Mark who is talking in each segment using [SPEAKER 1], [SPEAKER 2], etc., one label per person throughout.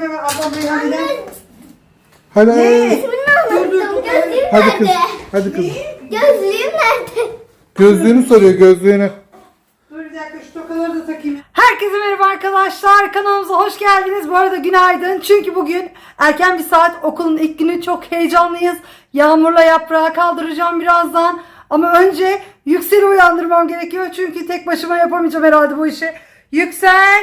[SPEAKER 1] ver ablam Reyhan'ı.
[SPEAKER 2] Hadi.
[SPEAKER 1] Ne?
[SPEAKER 3] Gözlüğüm
[SPEAKER 2] Hadi kız.
[SPEAKER 3] nerede?
[SPEAKER 2] Hadi kız.
[SPEAKER 3] Gözlüğüm nerede?
[SPEAKER 2] Gözlüğünü soruyor, gözlüğünü.
[SPEAKER 1] Dur bir dakika şu tokaları da takayım. Herkese merhaba arkadaşlar. Kanalımıza hoş geldiniz. Bu arada günaydın. Çünkü bugün erken bir saat, okulun ilk günü, çok heyecanlıyız. Yağmur'la Yaprağı kaldıracağım birazdan. Ama önce Yüksel'i uyandırmam gerekiyor. Çünkü tek başıma yapamayacağım herhalde bu işi. Yüksel.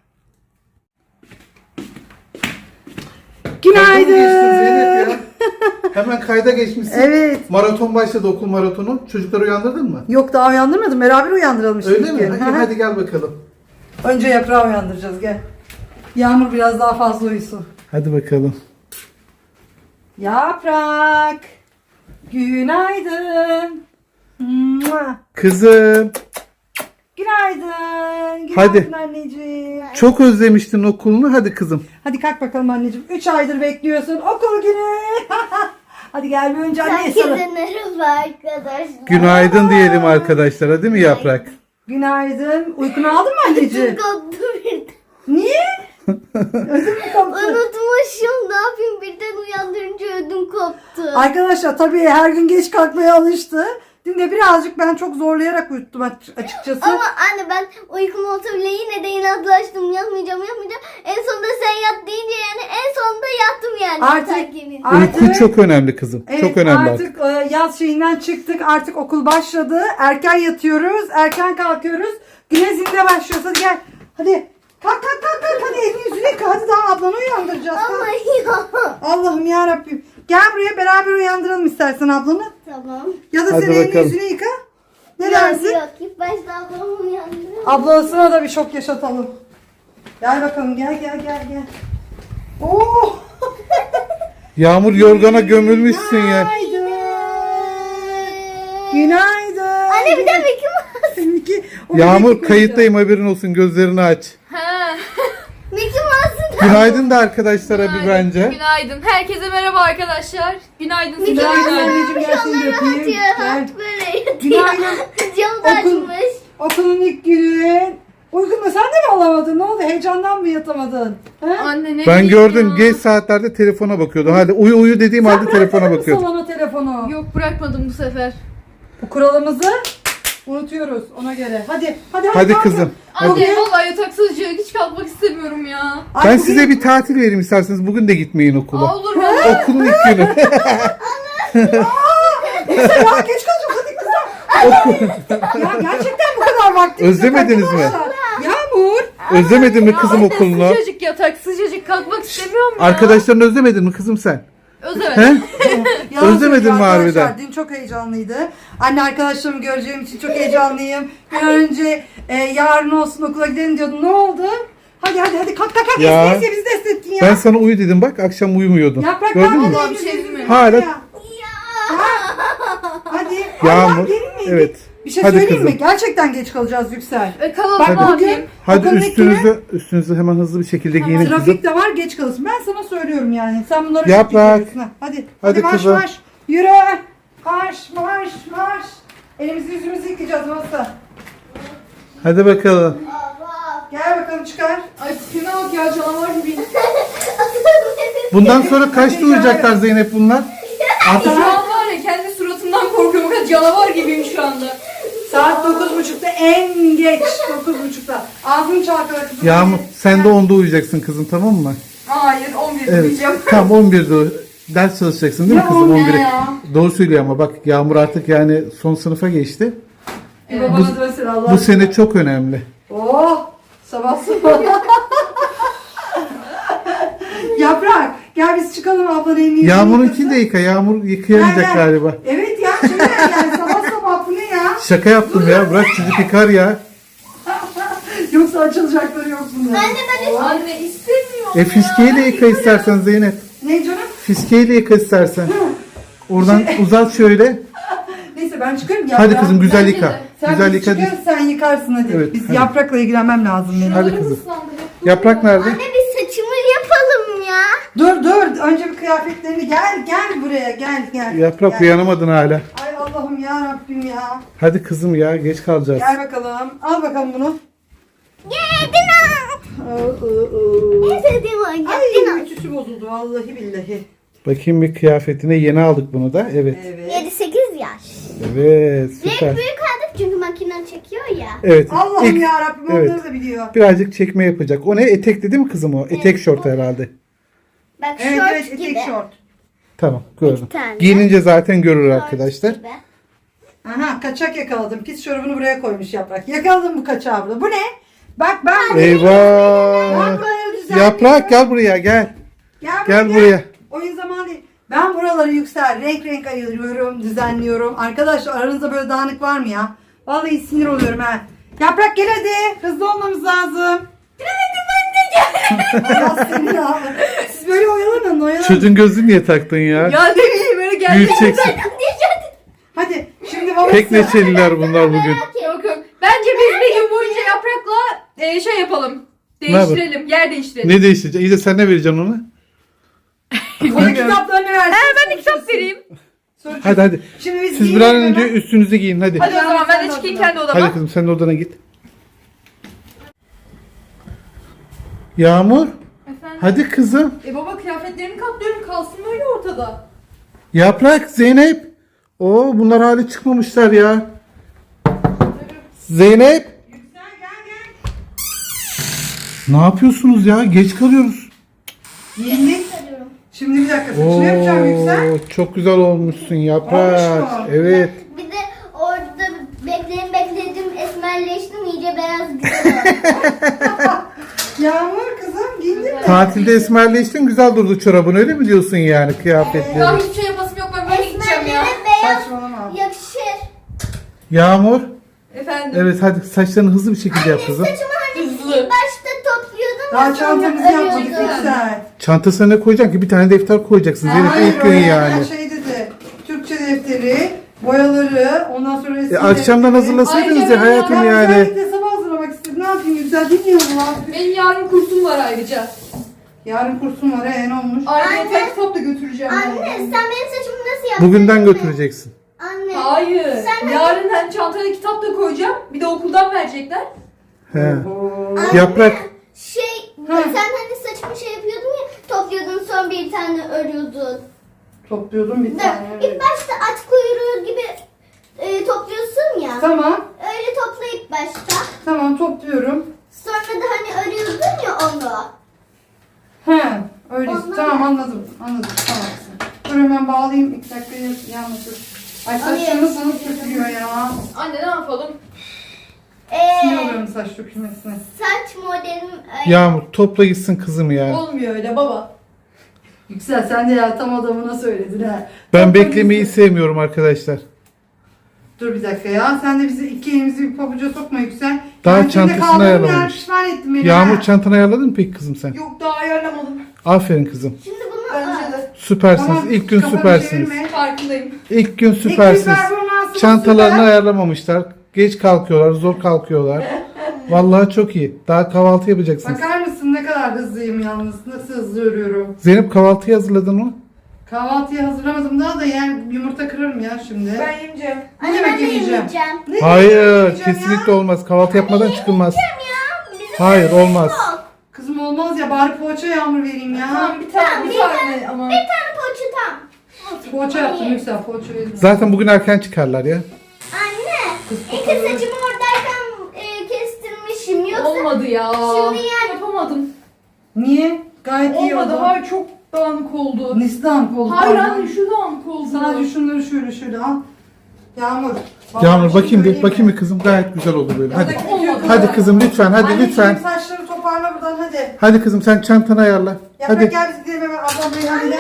[SPEAKER 1] Günaydın.
[SPEAKER 2] Kayda mı geçtin Zeynep ya? Hemen kayda geçmişsin.
[SPEAKER 1] Evet.
[SPEAKER 2] Maraton başladı, okul maratonu. Çocukları uyandırdın mı?
[SPEAKER 1] Yok daha uyandırmadım. Beraber uyandıralım şimdi.
[SPEAKER 2] Öyle mi?
[SPEAKER 1] Gel.
[SPEAKER 2] Hadi gel bakalım.
[SPEAKER 1] Önce Yaprağı uyandıracağız, gel. Yağmur biraz daha fazla uyusun.
[SPEAKER 2] Hadi bakalım.
[SPEAKER 1] Yaprak. Günaydın. Mua.
[SPEAKER 2] Kızım,
[SPEAKER 1] Günaydın. Günaydın
[SPEAKER 2] Hadi.
[SPEAKER 1] anneciğim.
[SPEAKER 2] çok özlemiştin okulunu. Hadi kızım.
[SPEAKER 1] Hadi kalk bakalım anneciğim. 3 aydır bekliyorsun. Okul günü. Hadi gel bir önce anneye sarıl.
[SPEAKER 3] Herkese merhaba arkadaşlar.
[SPEAKER 2] Günaydın diyelim arkadaşlara, değil mi Yaprak?
[SPEAKER 1] Günaydın. Uykunu aldın mı anneciğim?
[SPEAKER 3] Koptu birden.
[SPEAKER 1] Niye? Ödüm mü koptu?
[SPEAKER 3] Unutmuşum, ne yapayım, birden uyandırınca ödüm koptu.
[SPEAKER 1] Arkadaşlar tabii her gün geç kalkmaya alıştı. Dün de birazcık ben çok zorlayarak uyuttum açıkçası.
[SPEAKER 3] Ama anne, ben uykum olsa bile yine de inatlaştım. Yapmayacağım. En sonunda sen yat deyince yani en sonunda yattım yani.
[SPEAKER 1] Artık
[SPEAKER 2] Uyku çok önemli kızım.
[SPEAKER 1] Evet,
[SPEAKER 2] çok önemli artık.
[SPEAKER 1] artık yaz şeyinden çıktık. Artık okul başladı. Erken yatıyoruz. Erken kalkıyoruz. Güne zinde başlıyoruz. Hadi gel. Hadi. Kalk. Hadi elini yüzünü yıka. Hadi daha ablanı uyandıracağız.
[SPEAKER 3] Ama
[SPEAKER 1] Kalk.
[SPEAKER 3] ya.
[SPEAKER 1] Allah'ım yarabbim. Gel buraya beraber uyandıralım istersen ablanı.
[SPEAKER 3] Tamam.
[SPEAKER 1] Ya da
[SPEAKER 2] Hadi
[SPEAKER 1] sen elini
[SPEAKER 2] bakalım.
[SPEAKER 1] yüzünü yıka. Ne dersin?
[SPEAKER 3] Yok. İlk başta ablamı uyandırıyorum.
[SPEAKER 1] Ablasına da bir şok yaşatalım. Gel bakalım. Gel. Oo.
[SPEAKER 2] Yağmur, yorgana gömülmüşsün ya.
[SPEAKER 1] Günaydın.
[SPEAKER 3] Anne, bir de Mickey Mouse.
[SPEAKER 1] Seninki- o
[SPEAKER 2] Yağmur,
[SPEAKER 1] bebek
[SPEAKER 2] kayıttayım, haberin olsun, gözlerini aç.
[SPEAKER 3] Mickey Mouse'un
[SPEAKER 2] Günaydın da arkadaşlara bir bence.
[SPEAKER 4] Günaydın. Herkese merhaba arkadaşlar. Günaydın. size
[SPEAKER 1] Günaydın
[SPEAKER 4] günaydın.
[SPEAKER 1] anneciğim, gel seni de öpeyim.
[SPEAKER 3] atıyor.
[SPEAKER 1] Gel.
[SPEAKER 3] Böyle yatıyor.
[SPEAKER 1] Günaydın.
[SPEAKER 3] Camı da
[SPEAKER 1] Okul-
[SPEAKER 3] açmış.
[SPEAKER 1] Okulun ilk günü. Uykunu sen de mi alamadın? Ne oldu? Heyecandan mı yatamadın? He?
[SPEAKER 4] Anne ne
[SPEAKER 2] Ben
[SPEAKER 4] diyeyim
[SPEAKER 2] gördüm,
[SPEAKER 4] ya?
[SPEAKER 2] geç saatlerde telefona bakıyordu. Hadi uyu dediğim halde telefona bakıyordu.
[SPEAKER 1] Salona telefonu.
[SPEAKER 4] Yok, bırakmadım bu sefer.
[SPEAKER 1] Bu kuralımızı unutuyoruz ona göre. Hadi
[SPEAKER 2] Hadi
[SPEAKER 1] kalkın.
[SPEAKER 2] kızım.
[SPEAKER 4] Anne
[SPEAKER 1] Bugün-
[SPEAKER 4] vallahi yataksız hiç kalkmak istemiyorum ya.
[SPEAKER 1] Ay,
[SPEAKER 2] Ben
[SPEAKER 1] bugün-
[SPEAKER 2] size bir tatil vereyim isterseniz. Bugün de gitmeyin okula.
[SPEAKER 4] Aa, olur valla.
[SPEAKER 2] Okulun ilk günü.
[SPEAKER 1] Neyse ya, geç kalacağım hadi kızım. Ya gerçekten bu kadar vaktimiz yok
[SPEAKER 2] Özlemediniz mi?
[SPEAKER 1] arkadaşlar. Yağmur.
[SPEAKER 2] Özlemedin mi kızım
[SPEAKER 4] Anne,
[SPEAKER 2] okulunu?
[SPEAKER 4] sıcacık yatak, sıcacık kalkmak istemiyorum ya.
[SPEAKER 2] Arkadaşlarını özlemedin mi kızım sen?
[SPEAKER 4] Özlemedim.
[SPEAKER 2] He?
[SPEAKER 1] Yalan
[SPEAKER 2] Özlemedin
[SPEAKER 1] söylüyor
[SPEAKER 2] mi
[SPEAKER 1] arkadaşlar.
[SPEAKER 2] harbiden?
[SPEAKER 1] Dün çok heyecanlıydı. Anne arkadaşlarımı göreceğim için çok heyecanlıyım. Bir an önce yarın olsun okula gidelim diyordum. Ne oldu? Hadi kalk.
[SPEAKER 2] Ya.
[SPEAKER 1] Neyse bizi de esnettin ya.
[SPEAKER 2] Ben sana uyu dedim bak, akşam uyumuyordun.
[SPEAKER 1] Yaprak
[SPEAKER 2] Gördün mü?
[SPEAKER 4] Vallahi bir şey değil mi?
[SPEAKER 2] Hala-
[SPEAKER 1] Hadi.
[SPEAKER 2] Yağmur.
[SPEAKER 1] Allah, gelin mi?
[SPEAKER 2] Evet.
[SPEAKER 1] Bir şey
[SPEAKER 2] Hadi
[SPEAKER 1] söyleyeyim mi?
[SPEAKER 2] kızım.
[SPEAKER 1] Gerçekten geç kalacağız Yüksel.
[SPEAKER 4] Kalalım,
[SPEAKER 1] Bak
[SPEAKER 4] ne
[SPEAKER 1] bugün
[SPEAKER 4] yapayım?
[SPEAKER 2] Hadi
[SPEAKER 1] okulun ilk günü
[SPEAKER 2] üstünüzü hemen hızlı bir şekilde giyinin kızım.
[SPEAKER 1] trafik de var, geç kalırsın. Ben sana söylüyorum yani. Sen bunları
[SPEAKER 2] Yaprak.
[SPEAKER 1] çok biliyorsun. Hadi
[SPEAKER 2] Hadi
[SPEAKER 1] marş
[SPEAKER 2] kızım.
[SPEAKER 1] marş. Yürü. Marş. Elimizi yüzümüzü yıkayacağız masa.
[SPEAKER 2] Hadi bakalım.
[SPEAKER 1] Gel bakalım çıkar.
[SPEAKER 4] Ay tipime bak ya, canavar gibiyim.
[SPEAKER 2] Bundan sonra kaçta uyuyacaklar Zeynep bunlar?
[SPEAKER 4] Şu an var ya, kendi suratımdan korkuyorum. Kadar canavar gibiyim şu anda.
[SPEAKER 1] Saat 9.30'da en geç 9.30'da. Ağzını çalkala kızım.
[SPEAKER 2] Yağmur, sen de 10'da uyuyacaksın kızım, tamam mı?
[SPEAKER 4] Hayır, 11'de
[SPEAKER 2] Evet.
[SPEAKER 4] uyuyacağım.
[SPEAKER 2] Tam 11'de ders çalışacaksın değil mi
[SPEAKER 1] Ya
[SPEAKER 2] kızım,
[SPEAKER 1] o ne
[SPEAKER 2] 11'e?
[SPEAKER 1] ya?
[SPEAKER 2] Doğru söylüyor ama bak, Yağmur artık yani son sınıfa geçti.
[SPEAKER 1] Bir babana dönsün Allah.
[SPEAKER 2] Bu sene çok önemli.
[SPEAKER 1] Oh! Sabah. Yaprak gel biz çıkalım ablanın elini yüzünü
[SPEAKER 2] Yağmur'unkini de yıka. Yağmur yıkayamayacak galiba.
[SPEAKER 1] Evet ya şimdi yani sabah bu ne ya?
[SPEAKER 2] Şaka yaptım ya. Bırak çocuk yıkar ya.
[SPEAKER 1] Yoksa açılacakları yok bunların.
[SPEAKER 3] Anne, ben
[SPEAKER 4] Anne istemiyorum
[SPEAKER 2] Fiskeyle yıka istersen Zeynep.
[SPEAKER 1] Ne canım?
[SPEAKER 2] Fiskeyle yıka istersen. Oradan uzat şöyle.
[SPEAKER 1] Neyse ben çıkıyorum.
[SPEAKER 2] Hadi kızım güzel
[SPEAKER 4] Bence
[SPEAKER 2] yıka.
[SPEAKER 4] de.
[SPEAKER 1] Sen
[SPEAKER 2] Güzel
[SPEAKER 1] biz
[SPEAKER 2] yıka.
[SPEAKER 1] çıkıyoruz sen yıkarsın hadi.
[SPEAKER 2] Evet,
[SPEAKER 1] Biz
[SPEAKER 2] hadi.
[SPEAKER 1] yaprakla ilgilenmem lazım benim.
[SPEAKER 2] Hadi
[SPEAKER 4] Hadi
[SPEAKER 2] kızım.
[SPEAKER 4] kızım.
[SPEAKER 2] Yaprak nerede?
[SPEAKER 3] Anne, bir saçımı yapalım ya.
[SPEAKER 1] Dur önce bir kıyafetlerini gel buraya gel.
[SPEAKER 2] Yaprak
[SPEAKER 1] Gel.
[SPEAKER 2] uyanamadın hala.
[SPEAKER 1] Ay Allah'ım ya Rabbim ya.
[SPEAKER 2] Hadi kızım ya, geç kalacağız.
[SPEAKER 1] Gel bakalım. Al bakalım bunu.
[SPEAKER 3] Yedin ha.
[SPEAKER 1] Oo.
[SPEAKER 3] En sevdiğim oyuncak.
[SPEAKER 1] Ay
[SPEAKER 3] Dino.
[SPEAKER 1] bozuldu vallahi billahi.
[SPEAKER 2] Bakayım bir kıyafetine, yeni aldık bunu da. Evet.
[SPEAKER 1] Evet.
[SPEAKER 3] 7-8 yaş.
[SPEAKER 2] Evet,
[SPEAKER 3] Renk
[SPEAKER 2] süper.
[SPEAKER 3] büyük aldık çünkü makinen çekiyor ya.
[SPEAKER 2] Evet.
[SPEAKER 1] Allah'ım
[SPEAKER 2] ilk-
[SPEAKER 1] ya Rabbim
[SPEAKER 2] evet.
[SPEAKER 1] onları da biliyor.
[SPEAKER 2] Birazcık çekme yapacak. O ne? Etekli değil mi kızım o? Etek şort herhalde.
[SPEAKER 3] Bak
[SPEAKER 1] Evet
[SPEAKER 3] şort
[SPEAKER 1] evet
[SPEAKER 3] gibi.
[SPEAKER 1] etek şort.
[SPEAKER 2] Tamam, gördüm.
[SPEAKER 3] İki tane.
[SPEAKER 2] Giyinince zaten görür
[SPEAKER 3] Şort
[SPEAKER 2] arkadaşlar.
[SPEAKER 3] gibi.
[SPEAKER 1] Aha kaçak yakaladım. Pis çorabını buraya koymuş Yaprak. Yakaladım bu kaçağı burada. Bu ne? Bak ben ben
[SPEAKER 2] Eyvah.
[SPEAKER 1] buraları düzenliyorum.
[SPEAKER 2] Yaprak gel buraya gel. Gel buraya.
[SPEAKER 1] Oyun zamanı değil. Ben buraları renk renk ayırıyorum, düzenliyorum. Arkadaşlar aranızda böyle dağınık var mı ya? Vallahi sinir oluyorum ha. Yaprak gel hadi. Hızlı olmamız lazım. Allah seni ya. Siz böyle oyalanın.
[SPEAKER 2] Çocuğun gözünü niye taktın ya?
[SPEAKER 4] Ya ne bileyim öyle geldi.
[SPEAKER 2] Büyüteceksin.
[SPEAKER 1] Hadi şimdi babası.
[SPEAKER 2] Pek neşeliler bunlar bugün.
[SPEAKER 4] Yok yok. Bence biz bir gün boyunca Yaprak'la şey yapalım. Değiştirelim. Yer değiştirelim.
[SPEAKER 2] Ne değişecek? İyi de sen ne vereceksin ona?
[SPEAKER 1] Bana kitaplarını ver.
[SPEAKER 4] Ben de kitap vereyim.
[SPEAKER 2] Hadi.
[SPEAKER 1] Şimdi biz
[SPEAKER 2] Siz bir an önce üstünüzü giyin hadi.
[SPEAKER 4] Hadi o zaman ben de çıkayım kendi odama.
[SPEAKER 2] Hadi kızım sen de odana git. Yağmur.
[SPEAKER 4] Efendim?
[SPEAKER 2] Hadi kızım.
[SPEAKER 4] Baba kıyafetlerimi katlıyorum kalsın böyle ortada.
[SPEAKER 2] Yaprak, Zeynep. Oo bunlar hali çıkmamışlar ya. Zeynep. Ne yapıyorsunuz ya? Geç kalıyoruz.
[SPEAKER 1] Giyindik. Şimdi bir dakika saçını yapacağım Yüksel.
[SPEAKER 2] Oo, çok güzel olmuşsun Yaprak.
[SPEAKER 1] Olmuş mu?
[SPEAKER 2] Evet.
[SPEAKER 3] Bir de orada bekledim esmerleştim iyice beyaz güzel oldu.
[SPEAKER 1] Yağmur kızım giyindin mi?
[SPEAKER 2] Tatilde esmerleştin, güzel durdu çorabın, öyle mi diyorsun yani
[SPEAKER 4] Daha
[SPEAKER 2] kıyafetleri?
[SPEAKER 4] hiçbir şey yapasım yok ben böyle gideceğim ya.
[SPEAKER 3] Esmerlere beyaz
[SPEAKER 1] Saçmalama.
[SPEAKER 3] yakışır.
[SPEAKER 2] Yağmur.
[SPEAKER 4] Efendim.
[SPEAKER 2] Evet hadi saçlarını hızlı bir şekilde yap kızım.
[SPEAKER 3] Saçımı hani
[SPEAKER 4] Hızlı.
[SPEAKER 3] ilk başta topluyordum.
[SPEAKER 1] Daha
[SPEAKER 3] sonra
[SPEAKER 1] çantamızı yapmadık
[SPEAKER 3] örüyordum.
[SPEAKER 1] Yüksel.
[SPEAKER 2] Çantasına ne koyacaksın ki? Bir tane defter koyacaksın Zeynep, ilk gün
[SPEAKER 1] öyle
[SPEAKER 2] yani.
[SPEAKER 1] Şey dedi. Türkçe defteri, boyaları, ondan sonra resim
[SPEAKER 2] Akşamdan
[SPEAKER 1] defteri.
[SPEAKER 2] hazırlasaydınız
[SPEAKER 4] Ayrıca
[SPEAKER 2] ya hayatım
[SPEAKER 1] Ben
[SPEAKER 2] yani.
[SPEAKER 1] özellikle sabah hazırlamak istedim. Ne yapayım Yüksel bilmiyorum lan.
[SPEAKER 4] Benim yarın kursum var ayrıca.
[SPEAKER 1] Yarın kursum var ne olmuş?
[SPEAKER 4] Ayrıca
[SPEAKER 3] Anne.
[SPEAKER 4] tek kitap da götüreceğim.
[SPEAKER 3] Anne sen benim saçımı nasıl yaptın?
[SPEAKER 2] Bugünden
[SPEAKER 3] değil mi?
[SPEAKER 2] götüreceksin.
[SPEAKER 3] Anne.
[SPEAKER 4] Hayır.
[SPEAKER 3] Sen-
[SPEAKER 4] Yarın hem çantaya kitap da koyacağım. Bir de okuldan verecekler.
[SPEAKER 2] He.
[SPEAKER 3] Anne,
[SPEAKER 2] Yaprak.
[SPEAKER 3] sen hani saçımı şey yapıyordun ya topluyordun sonra bir tane örüyordun.
[SPEAKER 1] Topluyordum bir tane.
[SPEAKER 3] İlk başta at kuyruğu gibi topluyorsun ya.
[SPEAKER 1] Tamam.
[SPEAKER 3] Öyle topla ilk başta.
[SPEAKER 1] Tamam topluyorum.
[SPEAKER 3] Sonra da hani örüyordun ya onu.
[SPEAKER 1] He. Öyle.
[SPEAKER 3] Ondan-
[SPEAKER 1] Tamam anladım. Anladım. Tamam. Dur hemen bağlayayım. 2 dakika yanmasın. Ay saçlarım sana dökülüyor ya.
[SPEAKER 4] Anne ne yapalım?
[SPEAKER 1] Sinir oluyorum saç dökülmesine.
[SPEAKER 3] Saç modelim öyle.
[SPEAKER 2] Yağmur topla gitsin kızım ya.
[SPEAKER 4] Olmuyor öyle baba.
[SPEAKER 1] Yüksel sen de ya tam adamına söyledin ha.
[SPEAKER 2] Ben
[SPEAKER 1] Topla
[SPEAKER 2] beklemeyi
[SPEAKER 1] gitsin.
[SPEAKER 2] sevmiyorum arkadaşlar.
[SPEAKER 1] Dur bir dakika ya. Sen de bizi iki elimizi bir pabuca sokma Yüksel.
[SPEAKER 2] Daha
[SPEAKER 1] Ben seninle
[SPEAKER 2] çantasını
[SPEAKER 1] kaldığım
[SPEAKER 2] ayarlamamış.
[SPEAKER 1] yer pişman ettin beni
[SPEAKER 2] Yağmur
[SPEAKER 1] ha.
[SPEAKER 2] çantanı ayarladın mı peki kızım sen?
[SPEAKER 4] Yok daha ayarlamadım.
[SPEAKER 2] Aferin kızım.
[SPEAKER 3] Şimdi bunu
[SPEAKER 4] Bence de.
[SPEAKER 2] Süpersiniz.
[SPEAKER 1] Tamam,
[SPEAKER 2] İlk gün
[SPEAKER 1] kafanı
[SPEAKER 2] süpersiniz.
[SPEAKER 1] çevirme.
[SPEAKER 4] Farkındayım.
[SPEAKER 2] İlk gün
[SPEAKER 1] İlk
[SPEAKER 2] süpersiniz.
[SPEAKER 1] performansımız
[SPEAKER 2] Çantalarını
[SPEAKER 1] süper.
[SPEAKER 2] ayarlamamışlar. Geç kalkıyorlar, zor kalkıyorlar. Vallahi çok iyi. Daha kahvaltı yapacaksınız.
[SPEAKER 1] Bakar mısın ne kadar hızlıyım yalnız. Nasıl hızlı örüyorum.
[SPEAKER 2] Zeynep kahvaltıyı hazırladın mı?
[SPEAKER 1] Kahvaltıyı hazırlamadım daha da yani yumurta kırarım ya şimdi.
[SPEAKER 4] Ben yemeyeceğim.
[SPEAKER 1] Ne
[SPEAKER 3] Anne
[SPEAKER 1] demek
[SPEAKER 3] ben de
[SPEAKER 1] yemeyeceğim?
[SPEAKER 3] yemeyeceğim.
[SPEAKER 1] Ne
[SPEAKER 2] Hayır,
[SPEAKER 1] yemeyeceğim
[SPEAKER 2] kesinlikle
[SPEAKER 1] ya?
[SPEAKER 2] olmaz. Kahvaltı yapmadan çıkılmaz.
[SPEAKER 3] Ya, bizim
[SPEAKER 2] Hayır, olmaz.
[SPEAKER 3] yok.
[SPEAKER 1] Kızım olmaz ya bari poğaça Yağmur vereyim ya.
[SPEAKER 4] Tamam bir tane
[SPEAKER 3] Tamam,
[SPEAKER 4] bir
[SPEAKER 3] bir
[SPEAKER 4] tane ama.
[SPEAKER 3] Bir tane poğaça tam.
[SPEAKER 1] Poğaça yaptım Yüksel poğaça vereyim.
[SPEAKER 2] Zaten bugün erken çıkarlar ya.
[SPEAKER 3] Anne,
[SPEAKER 1] Kız
[SPEAKER 3] ilk
[SPEAKER 1] kokuyor.
[SPEAKER 3] saçımı oradayken kestirmişim yoksa
[SPEAKER 4] Olmadı ya.
[SPEAKER 3] Şimdi yani-
[SPEAKER 4] Yapamadım.
[SPEAKER 1] Niye? Gayet iyi
[SPEAKER 4] Olmadı.
[SPEAKER 1] oldu.
[SPEAKER 4] Hayır çok dağınık oldu.
[SPEAKER 1] Nesi dağınık oldu?
[SPEAKER 4] Hayır
[SPEAKER 1] pardon?
[SPEAKER 4] anne şu dağınık oldu.
[SPEAKER 1] Sadece şunları şöyle al. Yağmur.
[SPEAKER 2] Yağmur
[SPEAKER 1] bir şey
[SPEAKER 2] bakayım bir,
[SPEAKER 1] söyleyeyim
[SPEAKER 2] bakayım
[SPEAKER 1] mi?
[SPEAKER 2] bir kızım, gayet güzel oldu böyle. Hadi.
[SPEAKER 1] Buradaki
[SPEAKER 4] Olmadı.
[SPEAKER 1] bütün-
[SPEAKER 2] Hadi kızım lütfen, hadi
[SPEAKER 1] Anneciğim,
[SPEAKER 2] lütfen.
[SPEAKER 1] saçları toparla buradan hadi.
[SPEAKER 2] Hadi kızım sen çantanı ayarla.
[SPEAKER 1] Yaprak
[SPEAKER 2] Hadi.
[SPEAKER 1] gel biz gidelim hemen ablam buraya hadi.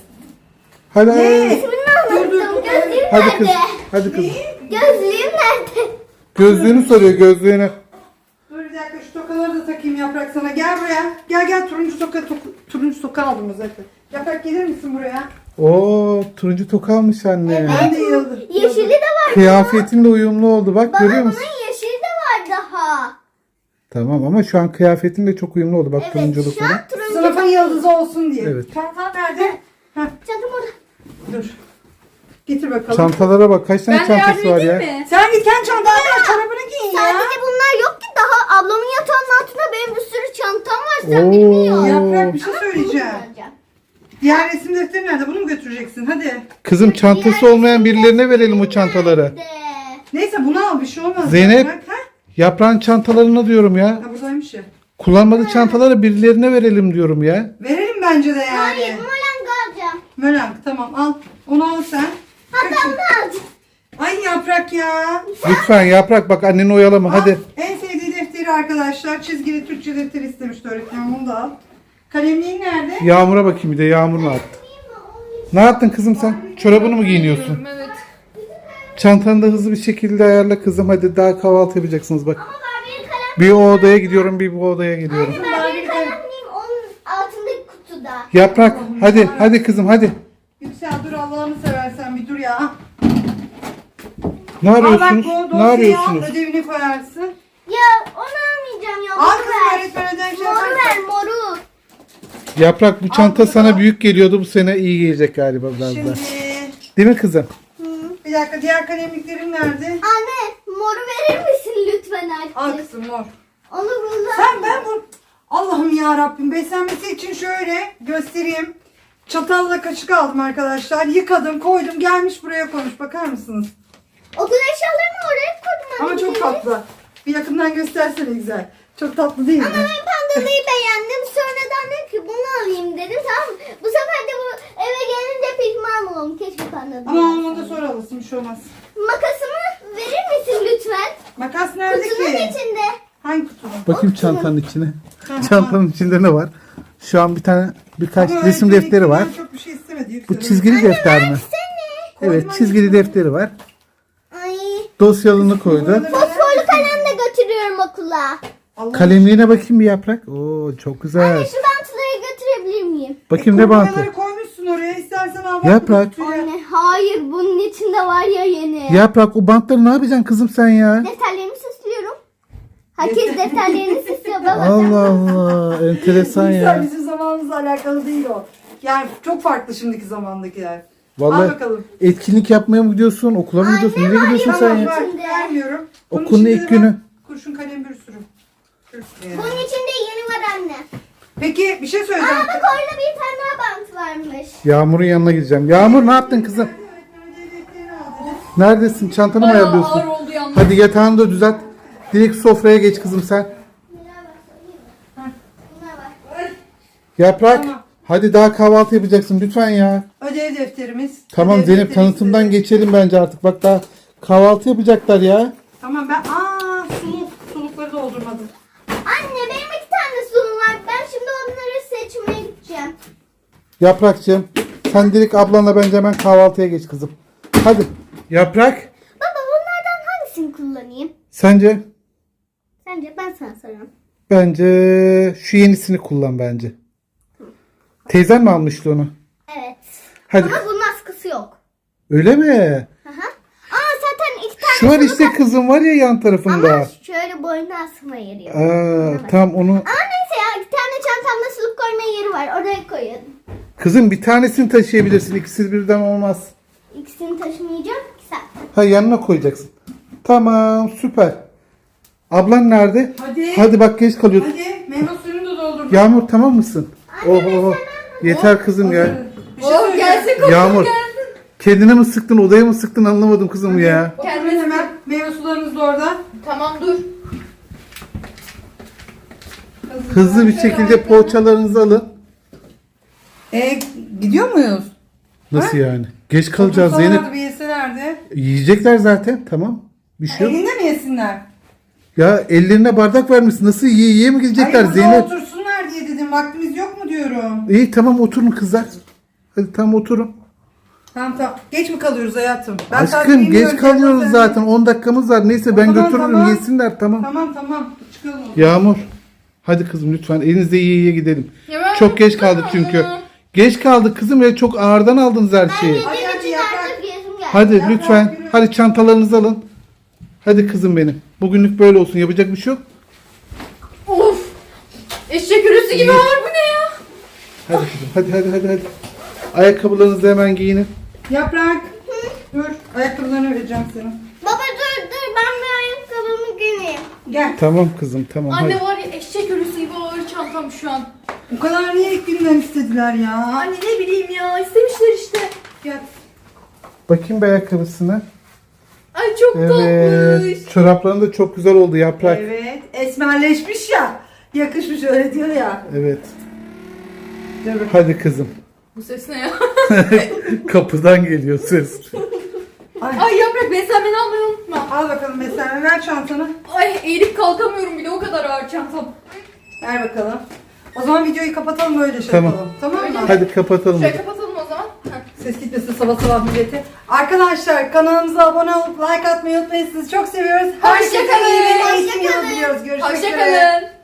[SPEAKER 2] Hadi.
[SPEAKER 1] Ne?
[SPEAKER 3] ismini unuttum. Gözlüğüm
[SPEAKER 2] Hadi
[SPEAKER 3] nerede?
[SPEAKER 2] kız. Hadi kızım.
[SPEAKER 3] Gözlüğüm nerede?
[SPEAKER 2] Gözlüğünü soruyor, gözlüğünü.
[SPEAKER 1] Dur bir dakika şu tokaları da takayım Yaprak sana. Gel buraya. Gel turuncu toka aldım zaten. Yaprak gelir misin buraya?
[SPEAKER 2] Oo, turuncu toka almış anne.
[SPEAKER 1] Ben de yıldım.
[SPEAKER 3] Yeşili de var.
[SPEAKER 2] Kıyafetinle uyumlu oldu. Bak
[SPEAKER 3] Baba
[SPEAKER 2] görüyor
[SPEAKER 3] bunun
[SPEAKER 2] musun?
[SPEAKER 3] yeşili de var daha.
[SPEAKER 2] Tamam ama şu an kıyafetinle çok uyumlu oldu. Bak
[SPEAKER 3] Evet
[SPEAKER 2] turunculuk
[SPEAKER 3] şu an
[SPEAKER 2] falan.
[SPEAKER 3] turuncu.
[SPEAKER 1] Sınıfın yıldızı olsun diye.
[SPEAKER 2] Evet.
[SPEAKER 1] Çantan nerede?
[SPEAKER 3] Çantam orada.
[SPEAKER 1] Dur. Getir bakalım.
[SPEAKER 2] Çantalara bak. Kaç tane
[SPEAKER 4] Ben de yardım
[SPEAKER 2] çantası var ya?
[SPEAKER 4] edeyim mi?
[SPEAKER 1] Sen git kendi çantanı al, çorabını giyin ya.
[SPEAKER 3] Sadece bunlar yok ki daha ablamın yatağının altında benim bir sürü çantam var sen bilmiyorsun.
[SPEAKER 2] Oo.
[SPEAKER 1] Yaprak bir şey söyleyeceğim. Diğer resim defteri nerede? Bunu mu götüreceksin? Hadi.
[SPEAKER 2] Kızım çantası olmayan birilerine verelim o çantaları.
[SPEAKER 1] Neyse bunu al, bir şey olmaz.
[SPEAKER 2] Zeynep.
[SPEAKER 1] Bak, ha?
[SPEAKER 2] Yaprağın çantalarını diyorum ya.
[SPEAKER 1] Ha, buradaymış ya.
[SPEAKER 2] Kullanmadığı çantaları birilerine verelim diyorum ya.
[SPEAKER 1] Verelim bence de yani.
[SPEAKER 3] Hayır molang alacağım.
[SPEAKER 1] Mölang tamam al. Onu al sen.
[SPEAKER 3] Hatta onu alacağım.
[SPEAKER 1] Ay Yaprak ya.
[SPEAKER 2] Lütfen Yaprak bak anneni oyalama hadi.
[SPEAKER 1] En sevdiği defteri arkadaşlar. Çizgili Türkçe defteri istemişti öğretmenim. Onu da al. Kalemliğin nerede?
[SPEAKER 2] Yağmur'a bakayım bir de Yağmur ne yaptı? Ne yaptın kızım sen? Çorabını mı giyiniyorsun?
[SPEAKER 4] Evet.
[SPEAKER 2] Çantanı da hızlı bir şekilde ayarla kızım. Hadi daha kahvaltı yapacaksınız bak.
[SPEAKER 3] Barbie'nin kalem.
[SPEAKER 2] Bir o odaya gidiyorum bir bu odaya gidiyorum.
[SPEAKER 3] Barbie'nin kalemliğim onun altındaki kutuda.
[SPEAKER 2] Yaprak hadi kızım hadi.
[SPEAKER 1] Yüksel dur Allah'ını seversen bir dur ya.
[SPEAKER 2] Ne
[SPEAKER 1] Al bak
[SPEAKER 2] arıyorsunuz?
[SPEAKER 1] bu
[SPEAKER 2] Ne
[SPEAKER 1] dosyayı al,
[SPEAKER 2] arıyorsunuz?
[SPEAKER 1] ödevini koyarsın.
[SPEAKER 3] Ya onu almayacağım ya.
[SPEAKER 1] Al
[SPEAKER 3] Moru
[SPEAKER 1] kızım
[SPEAKER 3] ver.
[SPEAKER 1] öğretmen ödev şey
[SPEAKER 3] Moru
[SPEAKER 1] yaparsa.
[SPEAKER 3] ver moru.
[SPEAKER 2] Yaprak bu çanta
[SPEAKER 1] bunu
[SPEAKER 2] sana
[SPEAKER 1] da.
[SPEAKER 2] büyük geliyordu bu sene iyi gelecek galiba biraz
[SPEAKER 1] Şimdi
[SPEAKER 2] daha. Değil mi kızım?
[SPEAKER 1] bir dakika diğer kalemliklerin nerede?
[SPEAKER 3] Anne moru verir misin lütfen
[SPEAKER 1] Al
[SPEAKER 3] artık?
[SPEAKER 1] kızım mor.
[SPEAKER 3] Onu kullan.
[SPEAKER 1] Ben bu Allah'ım ya Rabbim beslenmesi için şöyle göstereyim. Çatalla kaşık aldım arkadaşlar. Yıkadım, koydum, gelmiş buraya koymuş. Bakar mısınız?
[SPEAKER 3] Okul eşyalarını oraya koydum.
[SPEAKER 1] Ama çok tatlı. Bir yakından göstersene güzel. Çok tatlı değil mi?
[SPEAKER 3] Ama ben pandalıyı beğendim. Sonradan dedim ki bunu alayım dedim. Tamam mı? Bu sefer de bu eve gelince pişman oldum. Keşke pandalıyı
[SPEAKER 1] Ama onu da sonra alırsın, bir şey olmaz.
[SPEAKER 3] Makasımı verir misin lütfen?
[SPEAKER 1] Makas nerede
[SPEAKER 3] Kutunun
[SPEAKER 1] ki?
[SPEAKER 3] içinde.
[SPEAKER 1] Hangi kutunun?
[SPEAKER 2] Bakayım çantanın içine. Çantanın içinde ne var? Şu an birkaç
[SPEAKER 1] Ama
[SPEAKER 2] resim
[SPEAKER 1] öğretmenin
[SPEAKER 2] defteri var.
[SPEAKER 1] çok bir şey istemedi.
[SPEAKER 2] Bu çizgili defter mi?
[SPEAKER 3] Seni.
[SPEAKER 2] Evet çizgili defteri var.
[SPEAKER 3] Ay.
[SPEAKER 2] Dosyalını koydu.
[SPEAKER 3] Fosforlu kalem de götürüyorum okula.
[SPEAKER 1] Allah
[SPEAKER 2] Kalemliğine bakayım bir Yaprak. Oo çok güzel.
[SPEAKER 3] Anne şu bantları götürebilir miyim?
[SPEAKER 2] Bakayım ne bantı.
[SPEAKER 1] Kumbraları koymuşsun oraya. İstersen al. bak
[SPEAKER 2] Yaprak.
[SPEAKER 1] bu kutuya.
[SPEAKER 3] Anne hayır bunun içinde var ya yeni.
[SPEAKER 2] Yaprak o bantları ne yapacaksın kızım sen ya?
[SPEAKER 3] Defterlerimi süslüyorum. Herkes defterlerini süslüyor baba.
[SPEAKER 2] Allah Allah enteresan
[SPEAKER 1] Güzel,
[SPEAKER 2] ya.
[SPEAKER 1] bizim zamanımızla alakalı değil o. Yani çok farklı şimdiki zamandakiler. Al
[SPEAKER 2] Vallahi
[SPEAKER 1] bakalım.
[SPEAKER 2] etkinlik yapmaya mı gidiyorsun, okula mı gidiyorsun? Nereye gidiyorsun sen
[SPEAKER 1] Tamam
[SPEAKER 2] ya?
[SPEAKER 1] var,
[SPEAKER 3] içinde.
[SPEAKER 1] vermiyorum. Bunun
[SPEAKER 2] Okulun
[SPEAKER 1] içinde
[SPEAKER 2] ilk
[SPEAKER 1] de var.
[SPEAKER 2] günü.
[SPEAKER 1] Kurşun kalem bir sürü. Bir sürü yani.
[SPEAKER 3] Bunun içinde yeni var anne.
[SPEAKER 1] Peki bir şey söyleyeceğim.
[SPEAKER 3] Aa bak orada bir tane daha bant varmış.
[SPEAKER 2] Yağmur'un yanına gideceğim. Yağmur ne yaptın kızım? Neredesin? Çantanı mı
[SPEAKER 4] Bayağı
[SPEAKER 2] ayarlıyorsun?
[SPEAKER 4] ağır oldu yalnız.
[SPEAKER 2] Hadi yatağını da düzelt. Direkt sofraya geç kızım sen.
[SPEAKER 3] Buna bak.
[SPEAKER 2] Yaprak.
[SPEAKER 1] Tamam.
[SPEAKER 2] Hadi daha kahvaltı yapacaksın lütfen ya.
[SPEAKER 1] Ödev defterimiz.
[SPEAKER 2] Tamam
[SPEAKER 1] Ödev
[SPEAKER 2] Zeynep
[SPEAKER 1] defteri
[SPEAKER 2] tanıtımdan
[SPEAKER 1] istedim.
[SPEAKER 2] geçelim bence artık. Bak daha kahvaltı yapacaklar ya.
[SPEAKER 1] Tamam sulukları doldurmadım.
[SPEAKER 3] Anne benim 2 tane sunum var. Ben şimdi onları seçmeye gideceğim.
[SPEAKER 2] Yaprakçığım sen direkt ablanla bence hemen kahvaltıya geç kızım. Hadi. Yaprak.
[SPEAKER 3] Baba bunlardan hangisini kullanayım?
[SPEAKER 2] Sence?
[SPEAKER 3] Sence ben sana sorayım.
[SPEAKER 2] Bence şu yenisini kullan bence. Teyzen mi almıştı onu?
[SPEAKER 3] Evet.
[SPEAKER 2] Hadi.
[SPEAKER 3] Ama bunun askısı yok.
[SPEAKER 2] Öyle mi?
[SPEAKER 3] Aha. Aa zaten 2 tane
[SPEAKER 2] Şu an
[SPEAKER 3] suluk
[SPEAKER 2] işte kızım var ya yan tarafında.
[SPEAKER 3] Ama şöyle boyuna asma yeri yok.
[SPEAKER 2] Tamam onu.
[SPEAKER 3] Ama neyse ya 2 tane çantamda suluk koyma yeri var. Oraya koyun.
[SPEAKER 2] Kızım bir tanesini taşıyabilirsin. İkisi birden olmaz.
[SPEAKER 3] İkisini taşımayacağım ki sen.
[SPEAKER 2] Ha yanına koyacaksın. Tamam süper. Ablan nerede?
[SPEAKER 1] Hadi.
[SPEAKER 2] Bak geç kalıyorsun.
[SPEAKER 1] Hadi meyve suyunu da doldurdum.
[SPEAKER 2] Yağmur tamam mısın? Oh. Yeter kızım ya.
[SPEAKER 1] Bir şey
[SPEAKER 4] Oh
[SPEAKER 1] söyleyeceğim.
[SPEAKER 4] gelsin kokusu
[SPEAKER 2] Yağmur.
[SPEAKER 4] gelsin.
[SPEAKER 2] Kendine mi sıktın odaya mı sıktın anlamadım kızım ya.
[SPEAKER 1] Kendine hemen meyve sularınız da orada.
[SPEAKER 4] Tamam dur.
[SPEAKER 2] Hızlı bir şekilde poğaçalarınızı alın.
[SPEAKER 1] Gidiyor muyuz?
[SPEAKER 2] Nasıl yani? Geç kalacağız
[SPEAKER 1] Otursalardı
[SPEAKER 2] Zeynep.
[SPEAKER 1] bir yeselerdi.
[SPEAKER 2] Yiyecekler zaten tamam. Bir şey yok.
[SPEAKER 1] Elinde mi yesinler?
[SPEAKER 2] Ya ellerine bardak vermişsin. Nasıl yiye mi gidecekler
[SPEAKER 1] Hayır burada
[SPEAKER 2] Zeynep?
[SPEAKER 1] otursunlar diye dedim. Vaktimiz yok mu diyorum.
[SPEAKER 2] İyi tamam oturun kızlar. Hadi tamam oturun.
[SPEAKER 1] Tamam. Geç mi kalıyoruz hayatım? Ben saat
[SPEAKER 2] Aşkım
[SPEAKER 1] bilmiyorum,
[SPEAKER 2] geç kalıyoruz
[SPEAKER 1] sen-
[SPEAKER 2] zaten. 10 dakikamız var. Neyse ben
[SPEAKER 1] Tamam,
[SPEAKER 2] götürürüm
[SPEAKER 1] tamam.
[SPEAKER 2] yesinler tamam.
[SPEAKER 1] Tamam. Çıkalım.
[SPEAKER 2] Yağmur. Hadi kızım lütfen elinizde yiye gidelim.
[SPEAKER 4] Ya ben-
[SPEAKER 2] Çok geç kaldık çünkü. Geç kaldık kızım ya çok ağırdan aldınız her şeyi.
[SPEAKER 1] Hadi,
[SPEAKER 3] Benim için
[SPEAKER 1] yaprak.
[SPEAKER 3] artık gezim geldi.
[SPEAKER 2] Hadi
[SPEAKER 1] Yaprak,
[SPEAKER 2] lütfen.
[SPEAKER 1] yürü.
[SPEAKER 2] Hadi çantalarınızı alın. Hadi kızım benim. Bugünlük böyle olsun. Yapacak bir şey yok.
[SPEAKER 4] Of. Eşek ürüsü gibi ağır bu ne ya?
[SPEAKER 2] Hadi kızım. Hadi. Ayakkabılarınızı hemen giyinin.
[SPEAKER 1] Yaprak. Dur. Ayakkabılarını vereceğim sana.
[SPEAKER 3] Baba dur ben bir ayakkabımı giyeyim.
[SPEAKER 1] Gel.
[SPEAKER 2] Tamam kızım tamam
[SPEAKER 4] Anne
[SPEAKER 2] hadi.
[SPEAKER 4] var ya eşek ürüsü gibi ağır çantam şu an.
[SPEAKER 1] Bu kadar niye ilk günden istedin istediler ya.
[SPEAKER 4] Anne ne bileyim ya, istemişler işte.
[SPEAKER 1] Gel.
[SPEAKER 2] Bakayım bir ayakkabısına.
[SPEAKER 4] Ay çok tatlış.
[SPEAKER 2] Evet. Çorapların da çok güzel oldu Yaprak. Evet.
[SPEAKER 1] Evet. Esmerleşmiş ya. Yakışmış öyle diyor ya. Dur bakayım.
[SPEAKER 2] Hadi kızım.
[SPEAKER 4] Bu ses ne ya?
[SPEAKER 2] Kapıdan geliyor ses.
[SPEAKER 4] Ay Yaprak, beslenmeni almayı unutma.
[SPEAKER 1] Al bakalım mesela, ver çantanı.
[SPEAKER 4] Ay eğilip kalkamıyorum bile, o kadar ağır çantam.
[SPEAKER 1] Ver bakalım. O zaman videoyu kapatalım, böyle şey
[SPEAKER 2] Tamam.
[SPEAKER 1] yapalım. Tamam mı?
[SPEAKER 2] Hadi kapatalım.
[SPEAKER 4] Şöyle kapatalım o zaman.
[SPEAKER 1] Ses gitmesin sabah sabah millete. Arkadaşlar kanalımıza abone olup like atmayı unutmayın. Sizi çok seviyoruz. Herkese
[SPEAKER 4] Hoşça kalın.
[SPEAKER 1] iyi bir eğitim yılı diliyoruz. Görüşmek üzere.
[SPEAKER 4] Hoşçakalın.